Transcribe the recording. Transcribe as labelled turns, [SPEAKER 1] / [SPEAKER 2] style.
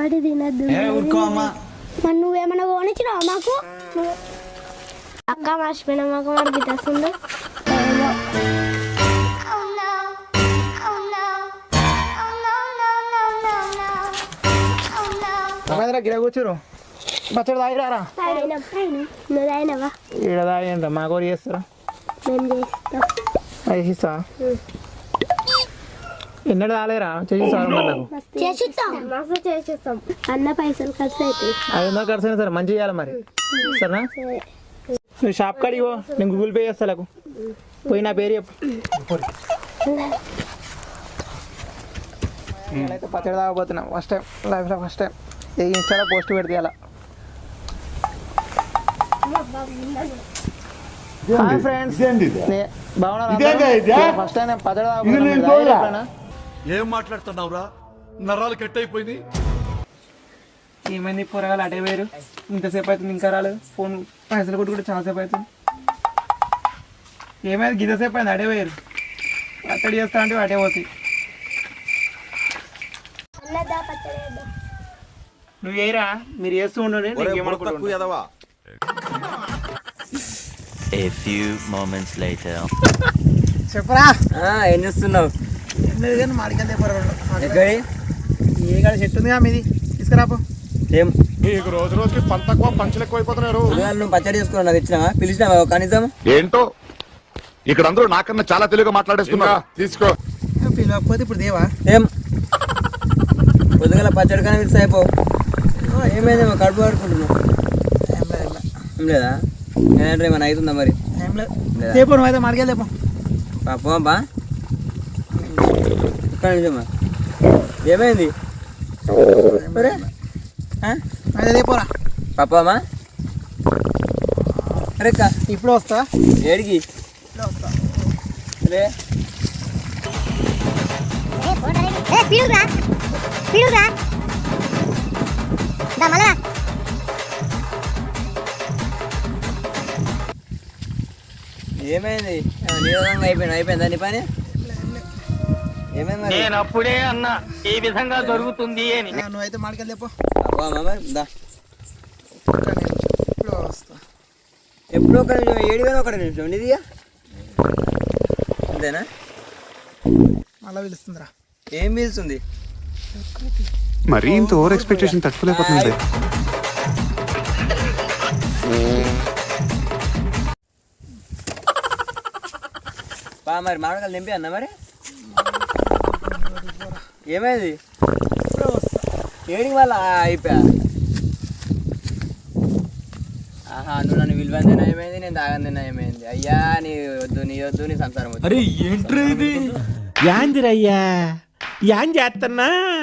[SPEAKER 1] వాడి తినద్దు మరి నువ్వేమన్నా కొనిచ్చినావా మాకు అక్క మర్చిపోయినా మాకు వాడికి తెస్తుంది
[SPEAKER 2] గిర కూర్చోరు పచ్చడి తాగిరారా
[SPEAKER 1] నువ్వు తాగినవా
[SPEAKER 2] ఈడ తాగండి మా కోరి చేస్తారా
[SPEAKER 1] మేము చేస్తాం
[SPEAKER 2] చేసిస్తా ఎన్నడు తాలేరా చేసిస్తాను నాకు
[SPEAKER 1] చేసిస్తాం అన్న పైసలు ఖర్చు అవుతాయి
[SPEAKER 2] 500 ఖర్చు అయినా సరే మంచిగా చేయాలి మరి సరేనా నువ్వు షాప్ కాడికి పో నేను గూగుల్ పే చేస్తా నాకు పోయి నా పేరు చెప్పు నేనైతే పచ్చడి తాగబోతున్నా ఫస్ట్ టైం లైఫ్లో ఫస్ట్ టైం ఏ ఇన్స్టాలో పోస్ట్ పెడితే అలా హాయ్ ఫ్రెండ్స్ బాగున్నారా ఫస్ట్ టైం నేను పచ్చడి తాగబోతున్నా
[SPEAKER 3] ఏం మాట్లాడుతున్నావురా నరాలు కట్ అయిపోయింది
[SPEAKER 2] ఏమైంది కూరగాయలు అటే వేరు ఇంతసేపు అవుతుంది ఇంకా రాలేదు ఫోన్ పైసలు కొట్టు కూడా చాలాసేపు అవుతుంది ఏమైంది గిద్దసేపు అయింది అటే వేరు పచ్చడి చేస్తా అంటే అటే పోతాయి నువ్వు ఏరా మీరు చేస్తూ ఉండండి చెప్పరా
[SPEAKER 4] ఏం చేస్తున్నావు
[SPEAKER 2] లేదు కానీ మాడికెళ్తే ఏ కాడ చెట్టు ఉందిగా మీది తీసుకురాపో
[SPEAKER 4] ఏం
[SPEAKER 3] నీకు రోజు రోజుకి పంట తక్కువ పంచులు ఎక్కువ అయిపోతున్నారు
[SPEAKER 4] నువ్వు పచ్చడి చేసుకున్నావు నాకు ఇచ్చినావా పిలిచినావా కనీసం
[SPEAKER 3] ఏంటో ఇక్కడ అందరూ నాకన్నా చాలా తెలుగుగా మాట్లాడేస్తున్నా తీసుకో
[SPEAKER 2] పిలవకపోతే ఇప్పుడు దేవా
[SPEAKER 4] ఏం పొద్దుగల పచ్చడి కానీ పిలిచి అయిపో ఏమైందేమో కడుపు పడుకుంటున్నావు ఏం లేదా నేనంటే ఏమైనా అవుతుందా మరి
[SPEAKER 2] ఏం లేదు లేపో నువ్వు అయితే మాడికెళ్ళేపో
[SPEAKER 4] పాపా ఒక్క నిమిషమా ఏమైంది
[SPEAKER 2] అయితే లేపోరా
[SPEAKER 4] పాపమ్మా అరే
[SPEAKER 2] ఇప్పుడు వస్తా
[SPEAKER 4] ఏడికి రే ఏమైంది నీరంగా అయిపోయిందా నీ పని ఏమైంది
[SPEAKER 5] నేను అప్పుడే అన్నా ఈ విధంగా జరుగుతుంది అని
[SPEAKER 2] నువ్వైతే మాడికెళ్ళేపో ఇప్పుడు వస్తా
[SPEAKER 4] ఎప్పుడో ఒక నిమిషం 7 నిమిషం నీదిగా అంతేనా
[SPEAKER 2] మళ్ళీ పిలుస్తుందిరా
[SPEAKER 4] ఏం పిలుస్తుంది
[SPEAKER 3] మరి ఇంత ఓవర్ ఎక్స్పెక్టేషన్ తట్టుకోలేకపోతుంది
[SPEAKER 4] మరి మామిడికాయలు నింపి అన్నా మరి ఏమైంది ఏడికి వాళ్ళ అయిపోయా ఆహా నువ్వు నన్ను విలువంది ఏమైంది నేను తాగంది ఏమైంది అయ్యా నీ వద్దు నీ సంసారం వద్దు
[SPEAKER 5] అరే ఏంట్రా ఇది యాందిరయ్యా యాన్ చేస్తున్నా